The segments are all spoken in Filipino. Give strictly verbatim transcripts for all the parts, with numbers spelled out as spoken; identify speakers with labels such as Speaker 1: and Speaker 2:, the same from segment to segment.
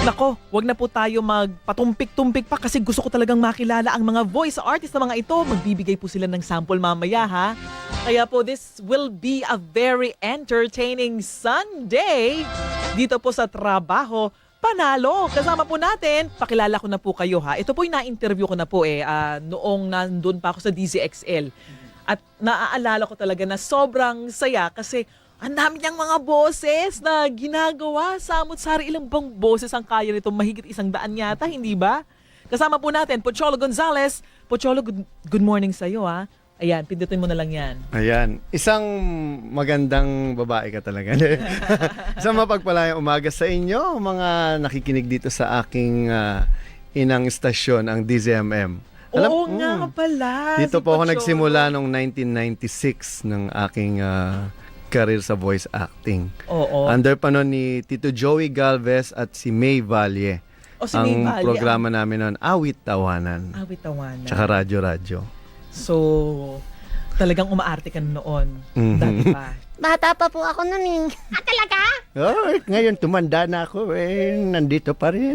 Speaker 1: Nako, wag na po tayo magpatumpik-tumpik pa kasi gusto ko talagang makilala ang mga voice artist na mga ito. Magbibigay po sila ng sample mamaya ha. Kaya po this will be a very entertaining Sunday dito po sa Trabaho Panalo. Kasama po natin, pakilala ko na po kayo ha. Ito po yung na-interview ko na po eh uh, noong nandun pa ako sa D Z X L. At naaalala ko talaga na sobrang saya kasi ang dami niyang mga boses na ginagawa. Samot-sari, ilang bang boses ang kaya nito? Mahigit isang daan yata, hindi ba? Kasama po natin, Pocholo Gonzales. Pocholo, good, good morning sa iyo ha. Ayan, pindutin mo na lang yan.
Speaker 2: Ayan, isang magandang babae ka talaga. Isang mapagpalayang umaga sa inyo, mga nakikinig dito sa aking uh, inang istasyon, ang D Z M M.
Speaker 1: Alam, Oo mm, nga pala.
Speaker 2: Dito
Speaker 1: si
Speaker 2: po ako
Speaker 1: Pocholo.
Speaker 2: nagsimula noong nineteen ninety-six ng aking uh, career sa voice acting.
Speaker 1: Oo.
Speaker 2: Under pa noon ni Tito Joey Galvez at si May Valle.
Speaker 1: O si
Speaker 2: ang
Speaker 1: May Valle,
Speaker 2: programa ang... namin noon, Awit Tawanan.
Speaker 1: Awit Tawanan.
Speaker 2: Tsaka Radyo Radyo.
Speaker 1: So, talagang umaarte ka noon.
Speaker 2: Mm-hmm.
Speaker 1: Dati pa.
Speaker 3: Bata pa po ako nun eh. Ah, talaga?
Speaker 2: Oh, ngayon tumanda na ako eh. Nandito pa rin.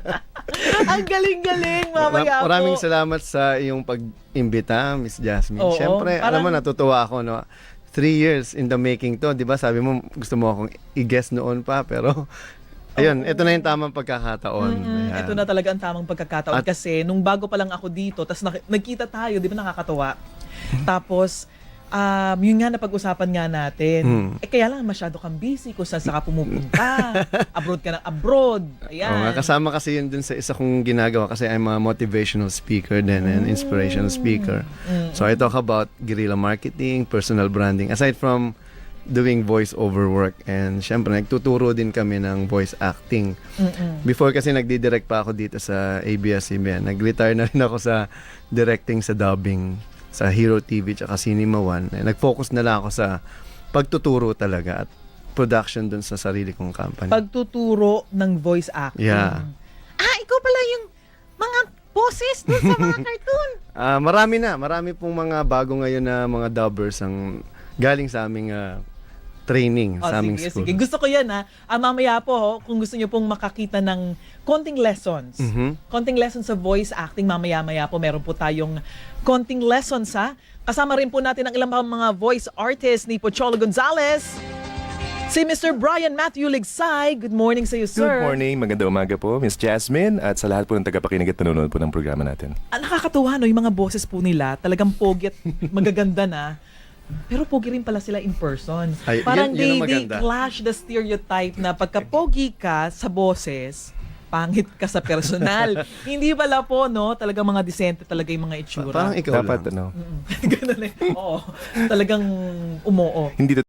Speaker 1: Ang galing-galing, mamaya po.
Speaker 2: Maraming salamat sa iyong pag-imbita, Miss Jasmine.
Speaker 1: Oo,
Speaker 2: Siyempre,
Speaker 1: parang...
Speaker 2: alam mo, natutuwa ako, no? Three years in the making to, di ba? Sabi mo, gusto mo akong i-guess noon pa, pero ayun,
Speaker 1: Oo.
Speaker 2: ito na yung tamang pagkakataon.
Speaker 1: Mm-hmm. Ito na talaga ang tamang pagkakataon.
Speaker 2: At,
Speaker 1: kasi nung bago pa lang ako dito, tapos nak- nagkita tayo, di ba nakakatuwa? Tapos, um, yun nga napag-usapan nga natin.
Speaker 2: Hmm.
Speaker 1: Eh kaya lang masyado kang busy kung saan saan ka pumupunta. Abroad ka ng abroad. Ayan.
Speaker 2: Oo nga, kasama kasi yun dun sa isa kong ginagawa kasi I'm a motivational speaker din and inspirational speaker.
Speaker 1: Mm.
Speaker 2: So I talk about guerrilla marketing, personal branding, aside from doing voice-over work. And syempre, nagtuturo din kami ng voice acting.
Speaker 1: Mm-mm.
Speaker 2: Before kasi nagdidirect pa ako dito sa A B S C B N. Nag-retire na rin ako sa directing sa dubbing sa Hero T V tsaka Cinema One. Nag-focus na lang ako sa pagtuturo talaga at production dun sa sarili kong company.
Speaker 1: Pagtuturo ng voice acting.
Speaker 2: Yeah.
Speaker 1: Ah, ikaw pala yung mga boses dun sa mga cartoon.
Speaker 2: Ah, marami na, marami pong mga bago ngayon na mga dubbers ang galing sa aming ah, training,
Speaker 1: Oh,
Speaker 2: sa aming
Speaker 1: sige,
Speaker 2: school.
Speaker 1: sige. Gusto ko yan ha. Ah, mamaya po, ho, kung gusto niyo pong makakita ng konting lessons.
Speaker 2: Mhm.
Speaker 1: Konting lessons sa voice acting, mamaya-maya po meron po tayong konting lessons ha. Kasama rin po natin ang ilang mga voice artists ni Pocholo Gonzales. Si Mister Brian Matthew Ligsay. Good morning sa iyo, sir.
Speaker 4: Good morning, magandang umaga po, Miss Jasmine, at sa lahat po ng tagapakinig at nanonood po ng programa natin.
Speaker 1: Ah, nakakatuwa no, yung mga boses po nila, talagang pogi at magaganda na. Pero pogi rin pala sila in person.
Speaker 2: Ay,
Speaker 1: Parang
Speaker 2: yun- yun
Speaker 1: they,
Speaker 2: ang
Speaker 1: they
Speaker 2: maganda.
Speaker 1: clash the stereotype na pagka pogi ka sa boses, pangit ka sa personal. Hindi pala po, no? Talagang mga disente talaga yung mga itsura.
Speaker 2: Parang ikaw
Speaker 4: Dapat
Speaker 2: lang.
Speaker 4: ano,
Speaker 1: Mm. Ganun eh. Oo. Talagang umoo.
Speaker 4: hindi